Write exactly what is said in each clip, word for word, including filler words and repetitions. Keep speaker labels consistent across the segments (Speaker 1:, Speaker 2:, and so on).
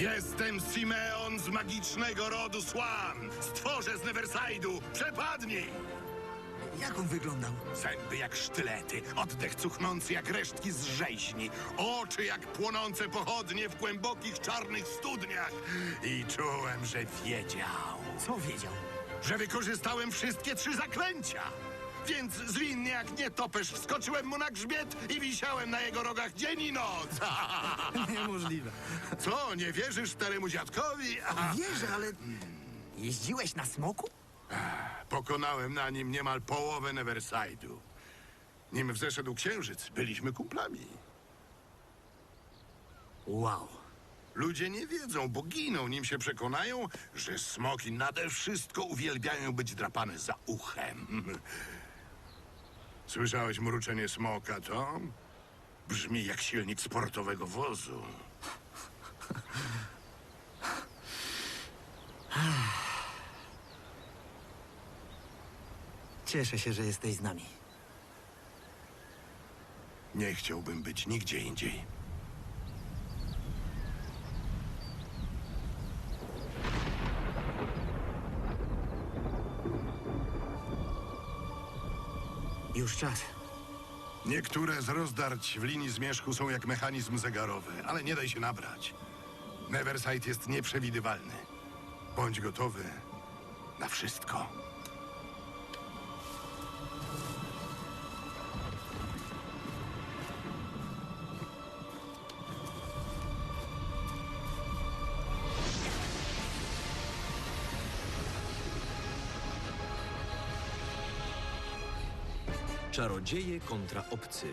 Speaker 1: Jestem Simeon z magicznego rodu Swan. Stworzę z Neverside'u. Przepadnij!
Speaker 2: Jak on wyglądał?
Speaker 1: Zęby jak sztylety, oddech cuchnący jak resztki z rzeźni, oczy jak płonące pochodnie w głębokich czarnych studniach. I czułem, że wiedział,
Speaker 2: Co wiedział?
Speaker 1: że wykorzystałem wszystkie trzy zaklęcia. Więc zwinnie jak nietoperz wskoczyłem mu na grzbiet i wisiałem na jego rogach dzień i noc.
Speaker 2: Niemożliwe.
Speaker 1: Co, nie wierzysz staremu dziadkowi?
Speaker 2: Wierzę, ale... Jeździłeś na smoku?
Speaker 1: Pokonałem na nim niemal połowę Neverside'u. Nim wzeszedł księżyc, byliśmy kumplami.
Speaker 2: Wow.
Speaker 1: Ludzie nie wiedzą, bo giną, nim się przekonają, że smoki nade wszystko uwielbiają być drapane za uchem. Słyszałeś mruczenie smoka, Tom? Brzmi jak silnik sportowego wozu.
Speaker 2: Cieszę się, że jesteś z nami.
Speaker 1: Nie chciałbym być nigdzie indziej.
Speaker 2: Już czas.
Speaker 1: Niektóre z rozdarć w linii zmierzchu są jak mechanizm zegarowy, ale nie daj się nabrać. Neverside jest nieprzewidywalny. Bądź gotowy na wszystko.
Speaker 3: Czarodzieje kontra obcy.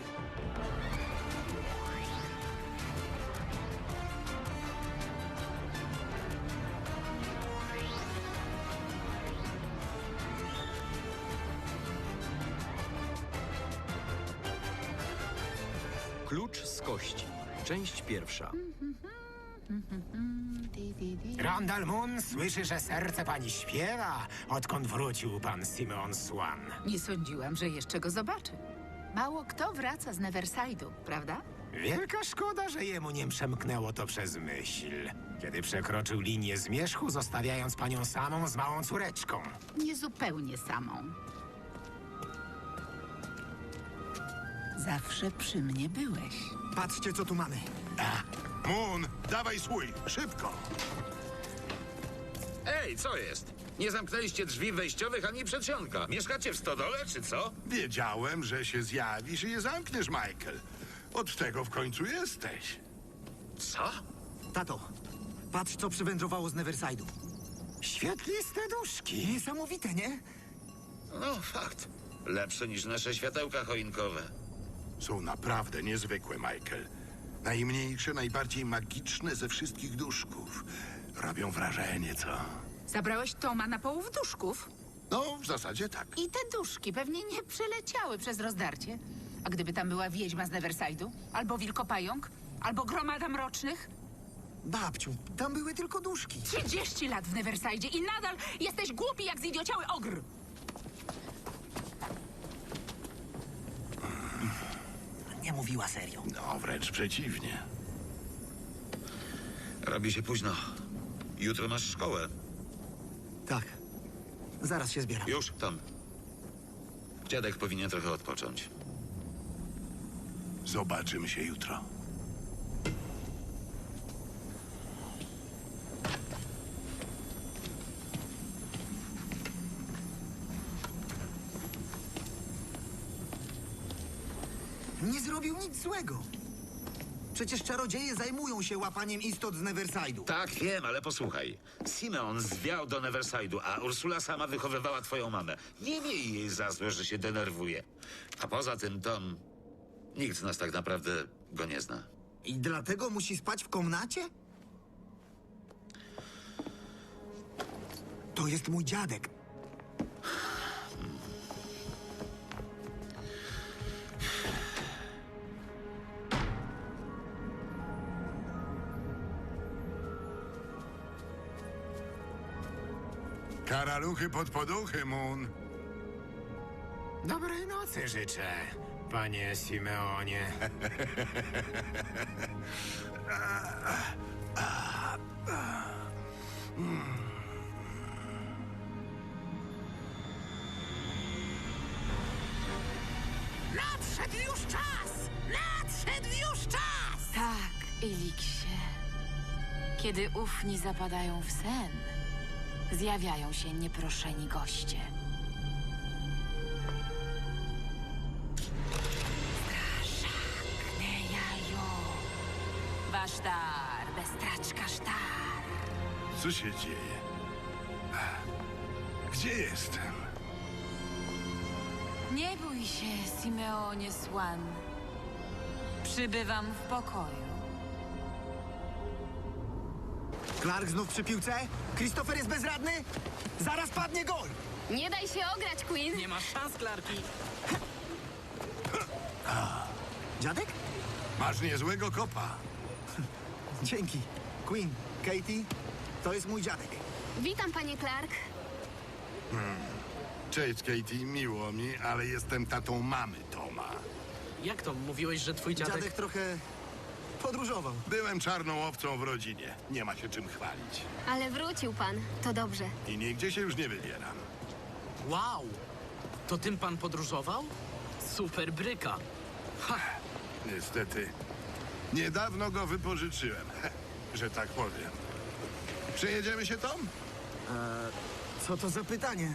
Speaker 3: Klucz z kości. Część pierwsza.
Speaker 4: Randall Moon słyszy, że serce pani śpiewa, odkąd wrócił pan Simeon Swan.
Speaker 5: Nie sądziłam, że jeszcze go zobaczę. Mało kto wraca z Neverside'u, prawda?
Speaker 4: Wielka szkoda, że jemu nie przemknęło to przez myśl, kiedy przekroczył linię zmierzchu, zostawiając panią samą z małą córeczką.
Speaker 5: Nie zupełnie samą. Zawsze przy mnie byłeś.
Speaker 2: Patrzcie, co tu mamy.
Speaker 1: Moon, dawaj swój, szybko!
Speaker 6: Ej, co jest? Nie zamknęliście drzwi wejściowych ani przedsionka. Mieszkacie w stodole, czy co?
Speaker 1: Wiedziałem, że się zjawisz i je zamkniesz, Michael. Od tego w końcu jesteś.
Speaker 6: Co?
Speaker 2: Tato, patrz, co przywędrowało z Neverside'u.
Speaker 4: Świetliste duszki.
Speaker 2: Niesamowite, nie?
Speaker 6: No, fakt. Lepsze niż nasze światełka choinkowe.
Speaker 1: Są naprawdę niezwykłe, Michael. Najmniejsze, najbardziej magiczne ze wszystkich duszków. Robią wrażenie, co?
Speaker 5: Zabrałeś Toma na połów duszków?
Speaker 1: No, w zasadzie tak.
Speaker 5: I te duszki pewnie nie przeleciały przez rozdarcie. A gdyby tam była wiedźma z Neverside'u? Albo wilkopająk? Albo gromada mrocznych?
Speaker 2: Babciu, tam były tylko duszki.
Speaker 5: Trzydzieści lat w Neverside'zie i nadal jesteś głupi jak zidiociały ogr!
Speaker 2: Nie mówiła serio.
Speaker 1: No, wręcz przeciwnie.
Speaker 6: Robi się późno. Jutro masz szkołę.
Speaker 2: Tak. Zaraz się zbieram.
Speaker 6: Już, Tom. Dziadek powinien trochę odpocząć.
Speaker 1: Zobaczymy się jutro.
Speaker 2: Nie zrobił nic złego. Przecież czarodzieje zajmują się łapaniem istot z Neverside'u.
Speaker 6: Tak, wiem, ale posłuchaj. Simeon zwiał do Neverside'u, a Ursula sama wychowywała twoją mamę. Nie miej jej za złe, że się denerwuje. A poza tym, Tom, nikt z nas tak naprawdę go nie zna.
Speaker 2: I dlatego musi spać w komnacie? To jest mój dziadek.
Speaker 1: Karaluchy pod poduchy, Moon.
Speaker 4: Dobrej nocy życzę, panie Simeonie. Nadszedł już czas! Nadszedł już czas!
Speaker 7: Tak, Eliksie. Kiedy ufni zapadają w sen, zjawiają się nieproszeni goście. Straszak, Nejajo. Wasztar, bestraczka sztar.
Speaker 1: Co się dzieje? Gdzie jestem?
Speaker 7: Nie bój się, Simeonie Swan. Przybywam w pokoju.
Speaker 2: Clark znów przy piłce? Christopher jest bezradny? Zaraz padnie gol!
Speaker 8: Nie daj się ograć, Queen!
Speaker 9: Nie masz szans, Clarki.
Speaker 2: Dziadek?
Speaker 1: Masz niezłego kopa.
Speaker 2: Dzięki. Queen, Katie, to jest mój dziadek.
Speaker 8: Witam, panie Clark.
Speaker 1: Cześć, Katie, miło mi, ale jestem tatą mamy Toma.
Speaker 9: Jak to? Mówiłeś, że twój dziadek...
Speaker 2: Dziadek trochę podróżował.
Speaker 1: Byłem czarną owcą w rodzinie. Nie ma się czym chwalić.
Speaker 8: Ale wrócił pan. To dobrze.
Speaker 1: I nigdzie się już nie wybieram.
Speaker 9: Wow! To tym pan podróżował? Super bryka.
Speaker 1: Niestety, niedawno go wypożyczyłem, że tak powiem. Przejedziemy się, Tom?
Speaker 2: Co to za pytanie?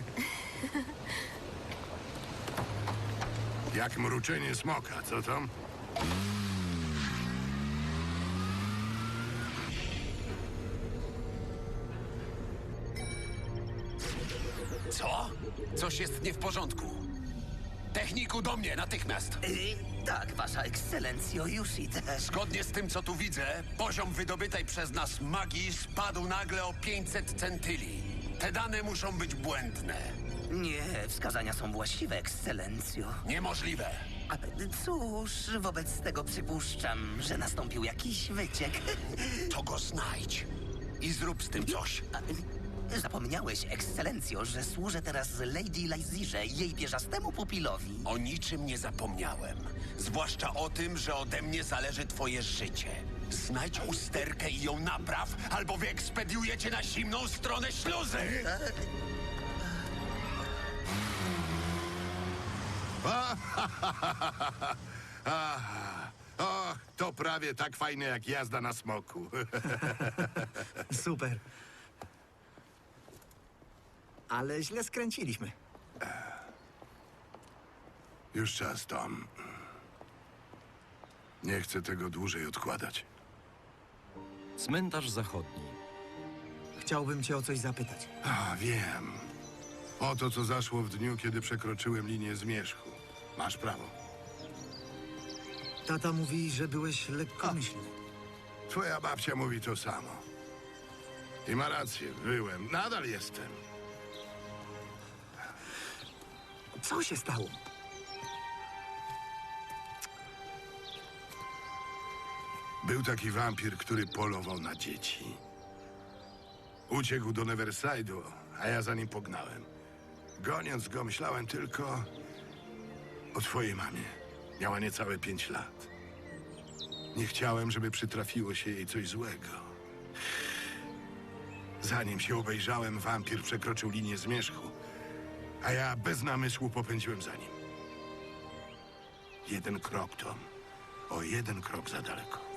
Speaker 1: Jak mruczenie smoka, co Tom?
Speaker 10: Co? Coś jest nie w porządku. Techniku, do mnie, natychmiast.
Speaker 11: Tak, wasza ekscelencjo, już idę.
Speaker 10: Zgodnie z tym, co tu widzę, poziom wydobytej przez nas magii spadł nagle o pięćset centyli. Te dane muszą być błędne.
Speaker 11: Nie, wskazania są właściwe, ekscelencjo.
Speaker 10: Niemożliwe.
Speaker 11: A, cóż, wobec tego przypuszczam, że nastąpił jakiś wyciek.
Speaker 10: To go znajdź i zrób z tym coś.
Speaker 11: A, zapomniałeś, ekscelencjo, że służę teraz Lady Lizirze i jej pierzastemu pupilowi.
Speaker 10: O niczym nie zapomniałem. Zwłaszcza o tym, że ode mnie zależy twoje życie. Znajdź usterkę i ją napraw, albo wyekspediujecie na zimną stronę śluzy!
Speaker 1: Aha. Och, to prawie tak fajne jak jazda na smoku.
Speaker 2: Super. Ale źle skręciliśmy.
Speaker 1: Już czas, Tom. Nie chcę tego dłużej odkładać.
Speaker 3: Cmentarz zachodni.
Speaker 2: Chciałbym cię o coś zapytać.
Speaker 1: A, wiem. O to, co zaszło w dniu, kiedy przekroczyłem linię zmierzchu. Masz prawo.
Speaker 2: Tata mówi, że byłeś lekkomyślny.
Speaker 1: Twoja babcia mówi to samo. I ma rację, byłem. Nadal jestem.
Speaker 2: Co się stało?
Speaker 1: Był taki wampir, który polował na dzieci. Uciekł do Neverside'u, a ja za nim pognałem. Goniąc go, myślałem tylko o twojej mamie. Miała niecałe pięć lat. Nie chciałem, żeby przytrafiło się jej coś złego. Zanim się obejrzałem, wampir przekroczył linię zmierzchu, a ja bez namysłu popędziłem za nim. Jeden krok, Tom. O jeden krok za daleko.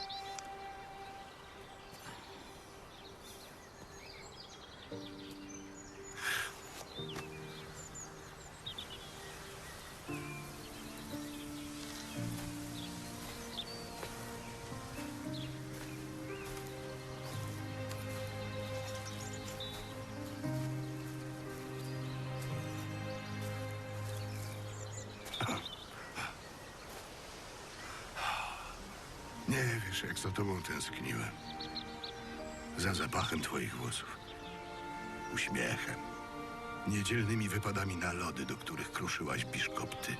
Speaker 1: Nie wiesz, jak za tobą tęskniłem. Za zapachem twoich włosów. Uśmiechem. Niedzielnymi wypadami na lody, do których kruszyłaś biszkopty.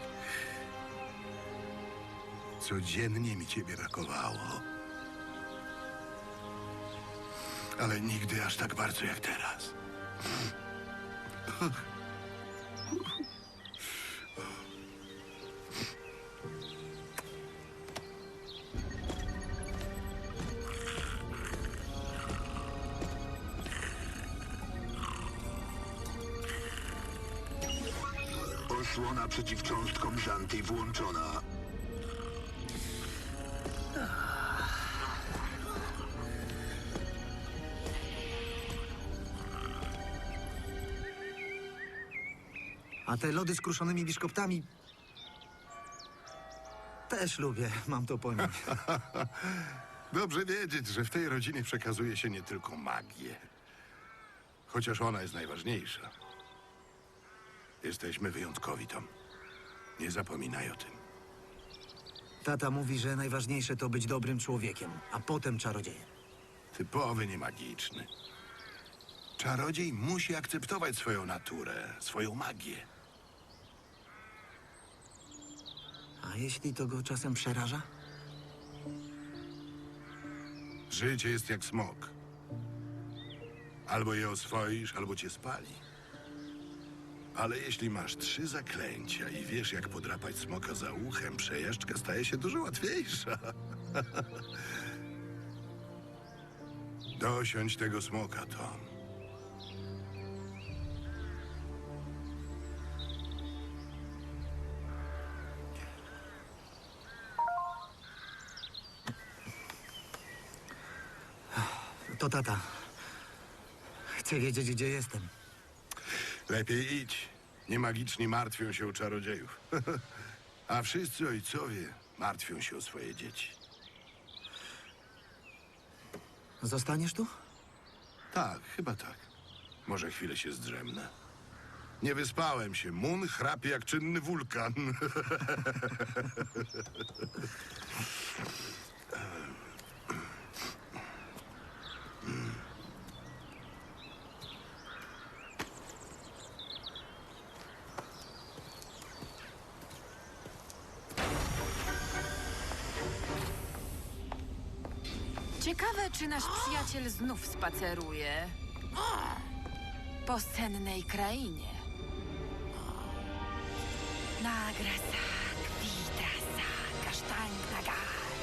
Speaker 1: Codziennie mi ciebie brakowało. Ale nigdy aż tak bardzo jak teraz.
Speaker 12: Osłona przeciwcząstkom Żanty włączona.
Speaker 2: A te lody z kruszonymi biszkoptami... Też lubię, mam to pojąć.
Speaker 1: Dobrze wiedzieć, że w tej rodzinie przekazuje się nie tylko magię. Chociaż ona jest najważniejsza. Jesteśmy wyjątkowi, Tom. Nie zapominaj o tym.
Speaker 2: Tata mówi, że najważniejsze to być dobrym człowiekiem, a potem czarodziejem.
Speaker 1: Typowy niemagiczny. Czarodziej musi akceptować swoją naturę, swoją magię.
Speaker 2: A jeśli to go czasem przeraża?
Speaker 1: Życie jest jak smok. Albo je oswoisz, albo cię spali. Ale jeśli masz trzy zaklęcia i wiesz, jak podrapać smoka za uchem, przejażdżka staje się dużo łatwiejsza. Dosiądź tego smoka, Tom.
Speaker 2: To tata. Chcę wiedzieć, gdzie jestem.
Speaker 1: Lepiej idź. Niemagiczni martwią się o czarodziejów. A wszyscy ojcowie martwią się o swoje dzieci.
Speaker 2: Zostaniesz tu?
Speaker 1: Tak, chyba tak. Może chwilę się zdrzemnę. Nie wyspałem się. Mun chrapie jak czynny wulkan.
Speaker 7: Ciekawe, czy nasz przyjaciel znów spaceruje po sennej krainie. Nagrasak, witrasak, kasztań, nagar.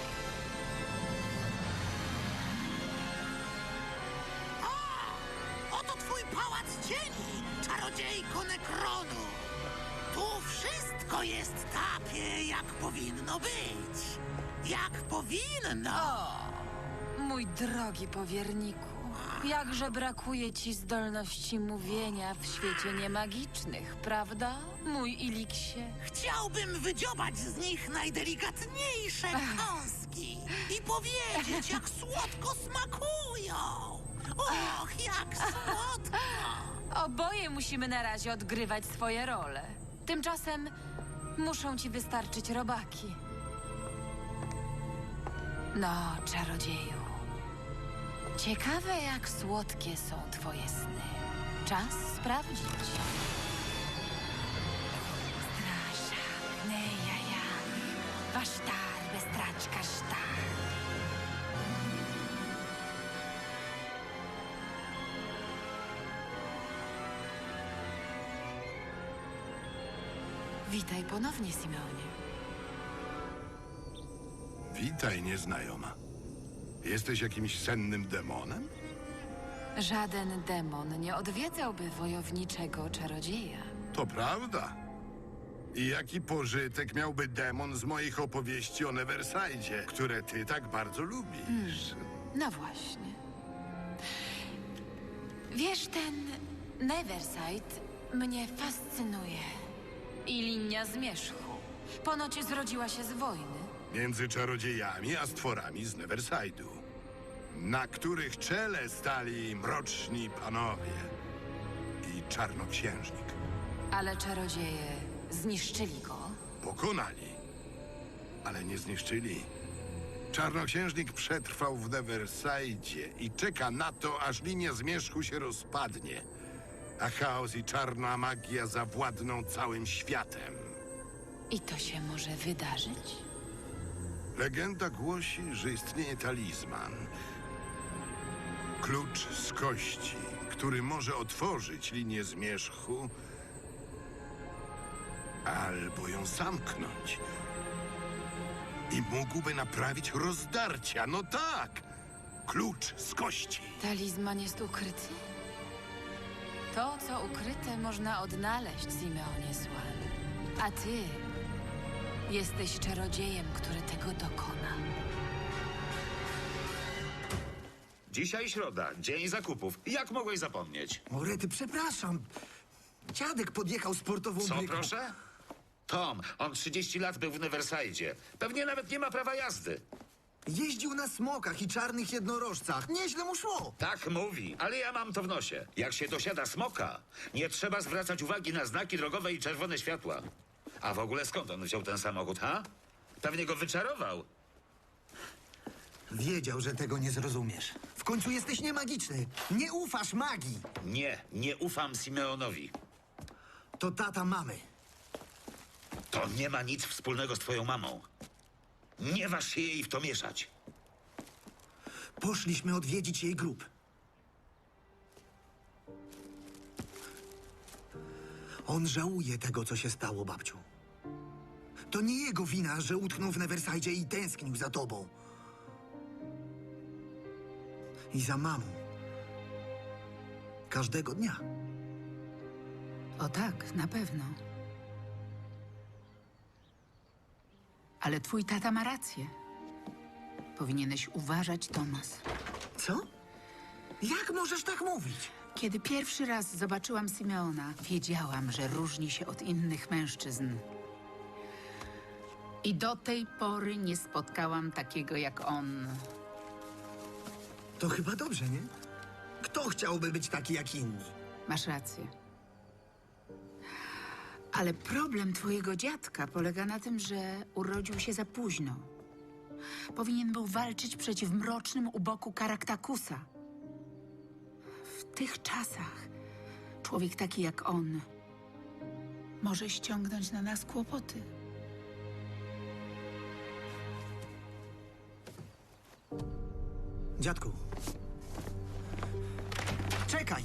Speaker 13: Oto twój pałac cieni, czarodziejko Nekronu. Tu wszystko jest takie, jak powinno być. Jak powinno.
Speaker 7: Mój drogi powierniku, jakże brakuje ci zdolności mówienia w świecie niemagicznych, prawda, mój Iliksie?
Speaker 13: Chciałbym wydziobać z nich najdelikatniejsze kąski i powiedzieć, jak słodko smakują. Och, jak słodko!
Speaker 7: Oboje musimy na razie odgrywać swoje role. Tymczasem muszą ci wystarczyć robaki. No, czarodzieju. Ciekawe, jak słodkie są twoje sny. Czas sprawdzić. Straszak, nejaja, wasztar, bestraczka, sztar. Witaj ponownie, Simeonie.
Speaker 1: Witaj, nieznajoma. Jesteś jakimś sennym demonem?
Speaker 7: Żaden demon nie odwiedzałby wojowniczego czarodzieja.
Speaker 1: To prawda. I jaki pożytek miałby demon z moich opowieści o Neverside, które ty tak bardzo lubisz?
Speaker 7: No właśnie. Wiesz, ten Neverside mnie fascynuje. I linia zmierzchu. Ponoć zrodziła się z wojny.
Speaker 1: Między czarodziejami a stworami z Neverside'u, na których czele stali mroczni panowie i czarnoksiężnik.
Speaker 7: Ale czarodzieje zniszczyli go.
Speaker 1: Pokonali, ale nie zniszczyli. Czarnoksiężnik przetrwał w Neverside i czeka na to, aż linia zmierzchu się rozpadnie, a chaos i czarna magia zawładną całym światem.
Speaker 7: I to się może wydarzyć?
Speaker 1: Legenda głosi, że istnieje talizman. Klucz z kości, który może otworzyć linię zmierzchu albo ją zamknąć. I mógłby naprawić rozdarcia. No tak! Klucz z kości.
Speaker 7: Talizman jest ukryty? To, co ukryte, można odnaleźć, Simeonie Swan. A ty jesteś czarodziejem, który tego dokona.
Speaker 6: Dzisiaj środa, dzień zakupów. Jak mogłeś zapomnieć?
Speaker 2: Orety, przepraszam. Dziadek podjechał sportową
Speaker 6: Co,
Speaker 2: bryką.
Speaker 6: proszę? Tom, on trzydzieści lat był w Neverside. Pewnie nawet nie ma prawa jazdy.
Speaker 2: Jeździł na smokach i czarnych jednorożcach. Nieźle mu szło.
Speaker 6: Tak mówi, ale ja mam to w nosie. Jak się dosiada smoka, nie trzeba zwracać uwagi na znaki drogowe i czerwone światła. A w ogóle skąd on wziął ten samochód, ha? Pewnie go wyczarował.
Speaker 2: Wiedział, że tego nie zrozumiesz. W końcu jesteś niemagiczny. Nie ufasz magii.
Speaker 6: Nie, nie ufam Simeonowi.
Speaker 2: To tata mamy.
Speaker 6: To nie ma nic wspólnego z twoją mamą. Nie waż się jej w to mieszać.
Speaker 2: Poszliśmy odwiedzić jej grób. On żałuje tego, co się stało, babciu. To nie jego wina, że utknął w Neverside i tęsknił za tobą. I za mamą. Każdego dnia.
Speaker 5: O tak, na pewno. Ale twój tata ma rację. Powinieneś uważać, Tomas.
Speaker 2: Co? Jak możesz tak mówić?
Speaker 5: Kiedy pierwszy raz zobaczyłam Simeona, wiedziałam, że różni się od innych mężczyzn. I do tej pory nie spotkałam takiego jak on.
Speaker 2: To chyba dobrze, nie? Kto chciałby być taki jak inni?
Speaker 5: Masz rację. Ale problem twojego dziadka polega na tym, że urodził się za późno. Powinien był walczyć przeciw mrocznym u boku Karaktakusa. W tych czasach człowiek taki jak on może ściągnąć na nas kłopoty.
Speaker 2: Dziadku. Czekaj!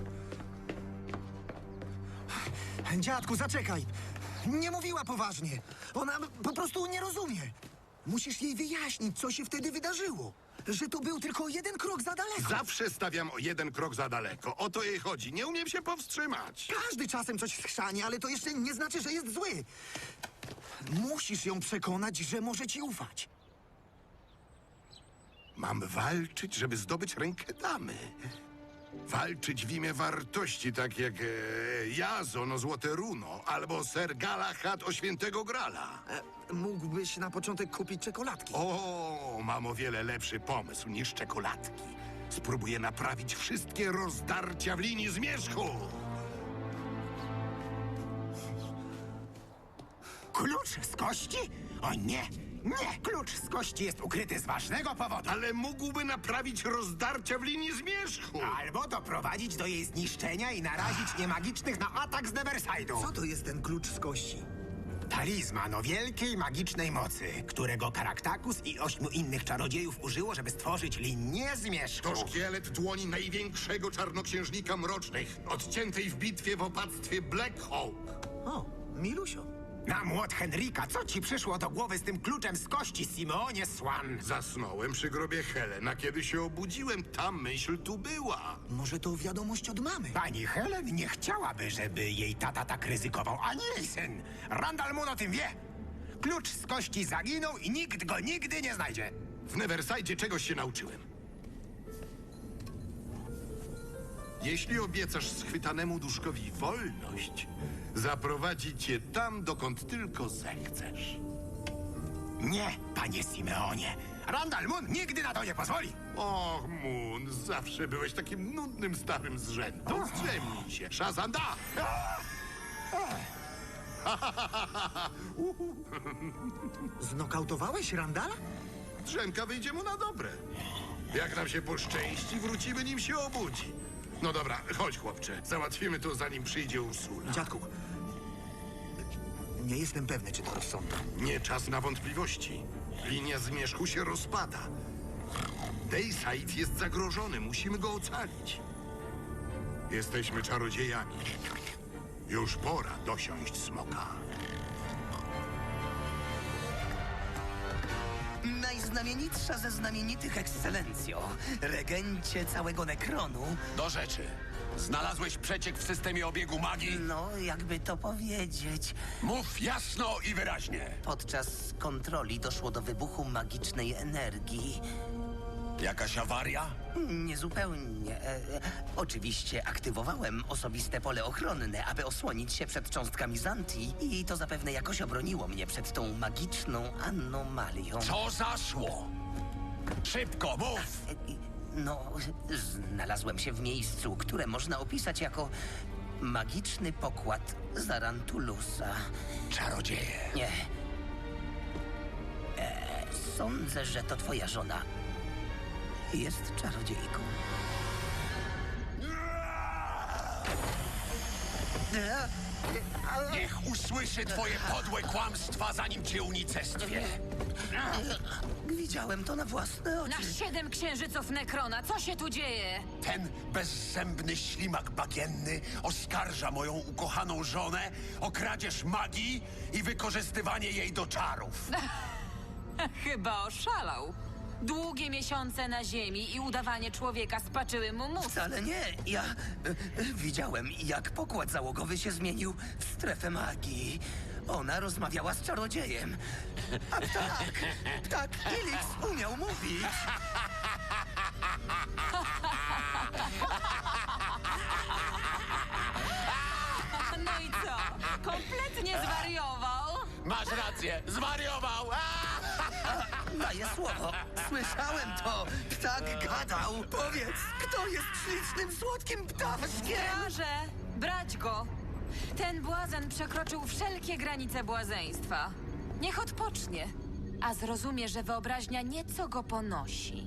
Speaker 2: Dziadku, zaczekaj! Nie mówiła poważnie. Ona po prostu nie rozumie. Musisz jej wyjaśnić, co się wtedy wydarzyło. Że to był tylko jeden krok za daleko.
Speaker 1: Zawsze stawiam o jeden krok za daleko. O to jej chodzi. Nie umiem się powstrzymać.
Speaker 2: Każdy czasem coś schrzani, ale to jeszcze nie znaczy, że jest zły. Musisz ją przekonać, że może ci ufać.
Speaker 1: Mam walczyć, żeby zdobyć rękę damy. Walczyć w imię wartości, tak jak e, Jazon o Złote Runo, albo Ser Galahad o Świętego Grala.
Speaker 2: E, mógłbyś na początek kupić czekoladki.
Speaker 1: O, mam o wiele lepszy pomysł niż czekoladki. Spróbuję naprawić wszystkie rozdarcia w linii zmierzchu.
Speaker 4: Klucz z kości? O nie! Nie! Klucz z kości jest ukryty z ważnego powodu.
Speaker 1: Ale mógłby naprawić rozdarcia w linii zmierzchu.
Speaker 4: Albo doprowadzić do jej zniszczenia i narazić niemagicznych na atak z Neverside'u.
Speaker 2: Co to jest ten klucz z kości?
Speaker 4: Talizman o wielkiej magicznej mocy, którego Karaktakus i ośmiu innych czarodziejów użyło, żeby stworzyć linię zmierzchu.
Speaker 1: To szkielet dłoni największego czarnoksiężnika mrocznych, odciętej w bitwie w opactwie Black Hawk.
Speaker 2: O, Milusio.
Speaker 4: Na młot Henryka, co ci przyszło do głowy z tym kluczem z kości, Simeonie Swan?
Speaker 1: Zasnąłem przy grobie Helen, a kiedy się obudziłem, ta myśl tu była.
Speaker 2: Może to wiadomość od mamy?
Speaker 4: Pani Helen nie chciałaby, żeby jej tata tak ryzykował, ani jej syn. Randall Moon o tym wie. Klucz z kości zaginął i nikt go nigdy nie znajdzie.
Speaker 1: W Neverside czegoś się nauczyłem. Jeśli obiecasz schwytanemu duszkowi wolność, zaprowadzi cię tam, dokąd tylko zechcesz.
Speaker 4: Nie, panie Simeonie. Randall Moon nigdy na to nie pozwoli.
Speaker 1: Och, Moon, zawsze byłeś takim nudnym starym zrzędą. Zdrzemnij się. Shazanda!
Speaker 2: Znokautowałeś Randala?
Speaker 1: Drzemka wyjdzie mu na dobre. Jak nam się poszczęści, wrócimy, nim się obudzi. No dobra, chodź, chłopcze. Załatwimy to, zanim przyjdzie Ursula.
Speaker 2: Dziadku, nie jestem pewny, czy to rozsądne.
Speaker 1: Nie czas na wątpliwości. Linia zmierzchu się rozpada. Dayside jest zagrożony. Musimy go ocalić. Jesteśmy czarodziejami. Już pora dosiąść smoka.
Speaker 11: Najs Najznamienitsza ze znamienitych, ekscelencjo. Regencie całego Nekronu.
Speaker 10: Do rzeczy. Znalazłeś przeciek w systemie obiegu magii?
Speaker 11: No, jakby to powiedzieć.
Speaker 10: Mów jasno i wyraźnie.
Speaker 11: Podczas kontroli doszło do wybuchu magicznej energii.
Speaker 10: Jakaś awaria?
Speaker 11: Niezupełnie. E, e, oczywiście aktywowałem osobiste pole ochronne, aby osłonić się przed cząstkami Zanti i to zapewne jakoś obroniło mnie przed tą magiczną anomalią.
Speaker 10: Co zaszło? Szybko, mów!
Speaker 11: No, znalazłem się w miejscu, które można opisać jako magiczny pokład Zarantulusa.
Speaker 10: Czarodzieje.
Speaker 11: Nie. E, sądzę, że to twoja żona jest czarodziejką.
Speaker 10: Niech usłyszy twoje podłe kłamstwa, zanim cię unicestwię.
Speaker 11: Widziałem to na własne oczy.
Speaker 7: Na siedem księżyców Nekrona, co się tu dzieje?
Speaker 10: Ten bezzębny ślimak bagienny oskarża moją ukochaną żonę o kradzież magii i wykorzystywanie jej do czarów.
Speaker 7: Chyba oszalał. Długie miesiące na ziemi i udawanie człowieka spaczyły mu mózg.
Speaker 11: Wcale nie. Ja e, e, widziałem, jak pokład załogowy się zmienił w strefę magii. Ona rozmawiała z czarodziejem. A ptak, ptak Ilix umiał mówić.
Speaker 7: No i co? Kompletnie zwariował?
Speaker 10: Masz rację, zwariował!
Speaker 11: Daję słowo. Słyszałem to. Ptak gadał. Powiedz, kto jest ślicznym, słodkim ptaszkiem?
Speaker 7: Straże, brać go. Ten błazen przekroczył wszelkie granice błazeństwa. Niech odpocznie, a zrozumie, że wyobraźnia nieco go ponosi.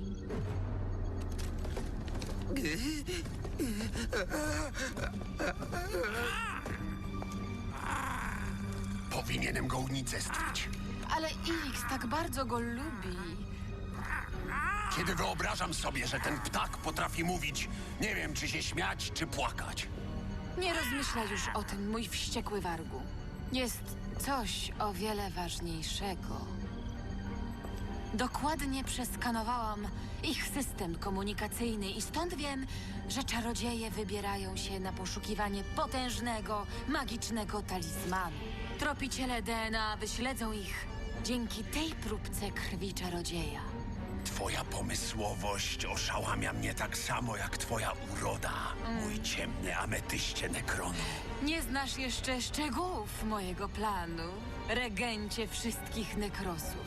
Speaker 10: Powinienem go unicestwić.
Speaker 7: Ale Ilix tak bardzo go lubi.
Speaker 10: Kiedy wyobrażam sobie, że ten ptak potrafi mówić, nie wiem, czy się śmiać, czy płakać.
Speaker 7: Nie rozmyślaj już o tym, mój wściekły wargu. Jest coś o wiele ważniejszego. Dokładnie przeskanowałam ich system komunikacyjny i stąd wiem, że czarodzieje wybierają się na poszukiwanie potężnego, magicznego talizmanu. Tropiciele D N A wyśledzą ich dzięki tej próbce krwi czarodzieja.
Speaker 10: Twoja pomysłowość oszałamia mnie tak samo jak twoja uroda, mój ciemny ametyście Nekronu.
Speaker 7: Nie znasz jeszcze szczegółów mojego planu, regencie wszystkich nekrosów.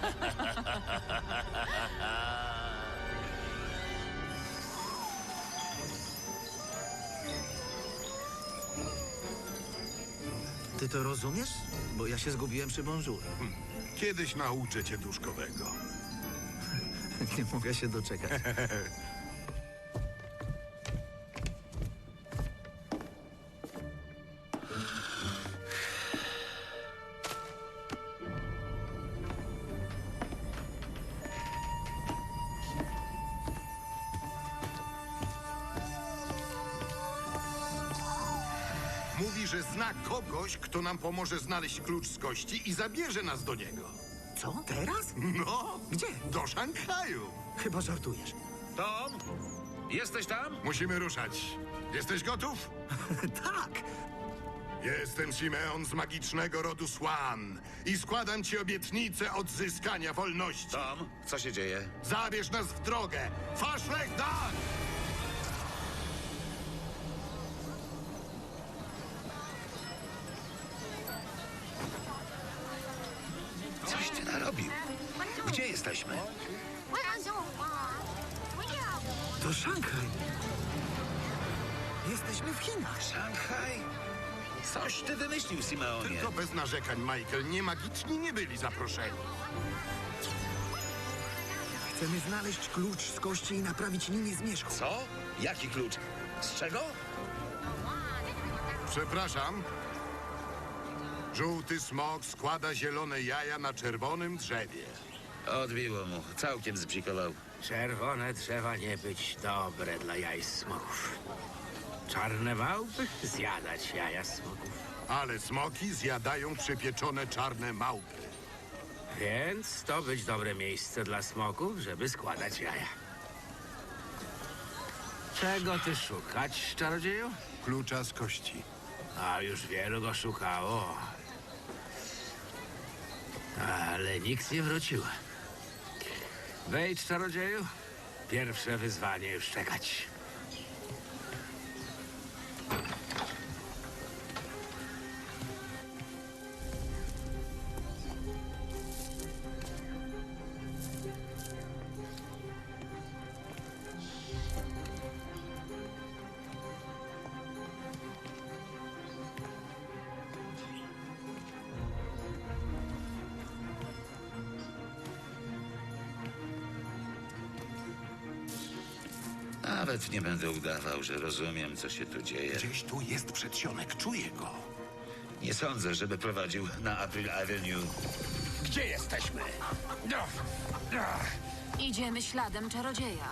Speaker 2: Ty to rozumiesz? Bo ja się zgubiłem przy bonjour.
Speaker 1: Kiedyś nauczę cię duszkowego.
Speaker 2: Nie mogę się doczekać.
Speaker 1: Mówi, że zna kogoś, kto nam pomoże znaleźć klucz z kości i zabierze nas do niego.
Speaker 2: Co? Teraz?
Speaker 1: No,
Speaker 2: Gdzie?
Speaker 1: do Szanghaju.
Speaker 2: Chyba żartujesz.
Speaker 6: Tom? Jesteś tam?
Speaker 1: Musimy ruszać. Jesteś gotów?
Speaker 2: Tak!
Speaker 1: Jestem Simeon z magicznego rodu Swan i składam ci obietnicę odzyskania wolności.
Speaker 6: Tom, co się dzieje?
Speaker 1: Zabierz nas w drogę! Faszlech Dan!
Speaker 6: Coś ty narobił. Gdzie jesteśmy?
Speaker 2: To Szanghaj. Jesteśmy w Chinach.
Speaker 6: Szanghaj? Coś ty wymyślił, Simeonie.
Speaker 1: Tylko bez narzekań, Michael. Nie magiczni nie byli zaproszeni.
Speaker 2: Chcemy znaleźć klucz z kości i naprawić linię zmierzchu.
Speaker 6: Co? Jaki klucz? Z czego?
Speaker 1: Przepraszam. Żółty smok składa zielone jaja na czerwonym drzewie.
Speaker 6: Odbiło mu. Całkiem zbzikował.
Speaker 14: Czerwone drzewa nie być dobre dla jaj smoków. Czarne małpy zjadać jaja smoków.
Speaker 1: Ale smoki zjadają przypieczone czarne małpy.
Speaker 14: Więc to być dobre miejsce dla smoków, żeby składać jaja. Czego ty szukać, czarodzieju?
Speaker 1: Klucza z kości.
Speaker 14: A już wielu go szukało. Ale nikt nie wrócił. Wejdź, czarodzieju. Pierwsze wyzwanie już czekać.
Speaker 6: Nawet nie będę udawał, że rozumiem, co się tu dzieje.
Speaker 4: Gdzieś tu jest przedsionek, czuję go.
Speaker 6: Nie sądzę, żeby prowadził na April Avenue.
Speaker 10: Gdzie jesteśmy? No. No.
Speaker 7: Idziemy śladem czarodzieja.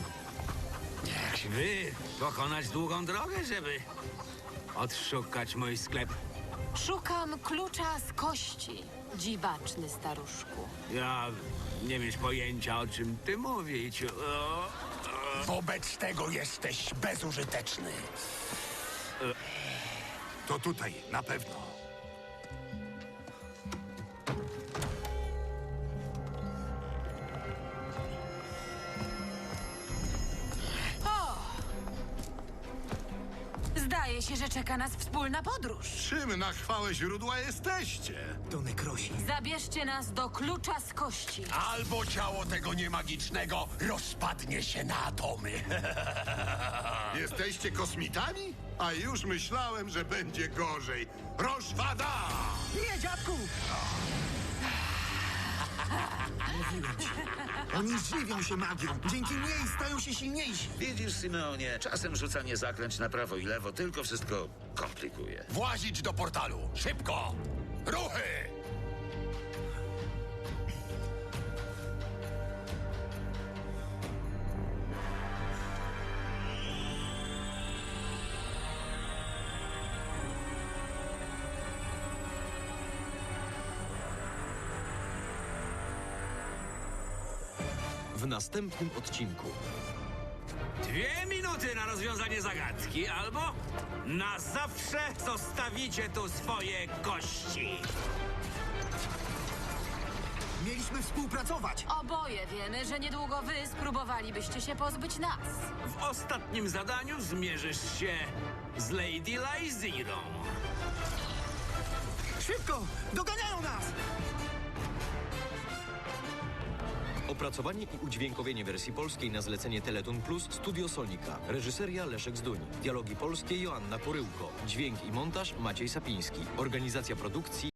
Speaker 14: Wy pokonać długą drogę, żeby odszukać mój sklep.
Speaker 7: Szukam klucza z kości, dziwaczny staruszku.
Speaker 14: Ja nie mieć pojęcia, o czym ty mówić. O,
Speaker 10: Wobec tego jesteś bezużyteczny.
Speaker 1: To tutaj, na pewno.
Speaker 7: Zdaje się, że czeka nas wspólna podróż.
Speaker 1: Czym na chwałę źródła jesteście?
Speaker 2: To nekrosi.
Speaker 7: Zabierzcie nas do klucza z kości.
Speaker 10: Albo ciało tego niemagicznego rozpadnie się na atomy.
Speaker 1: Jesteście kosmitami? A już myślałem, że będzie gorzej. Roszwada!
Speaker 2: Nie, dziadku! Mówiłem ci. Oni żywią się magią. Dzięki niej stają się silniejsi.
Speaker 6: Widzisz, Simeonie, czasem rzucanie zaklęć na prawo i lewo tylko wszystko komplikuje.
Speaker 10: Włazić do portalu. Szybko! Ruchy!
Speaker 3: W następnym odcinku.
Speaker 14: dwie minuty na rozwiązanie zagadki, albo na zawsze zostawicie tu swoje kości.
Speaker 2: Mieliśmy współpracować.
Speaker 7: Oboje wiemy, że niedługo wy spróbowalibyście się pozbyć nas.
Speaker 14: W ostatnim zadaniu zmierzysz się z Lady Lyzirą.
Speaker 2: Szybko! Doganiają nas!
Speaker 3: Opracowanie i udźwiękowienie wersji polskiej na zlecenie Teleton Plus Studio Sonika. Reżyseria Leszek Zduń. Dialogi polskie Joanna Poryłko. Dźwięk i montaż Maciej Sapiński. Organizacja produkcji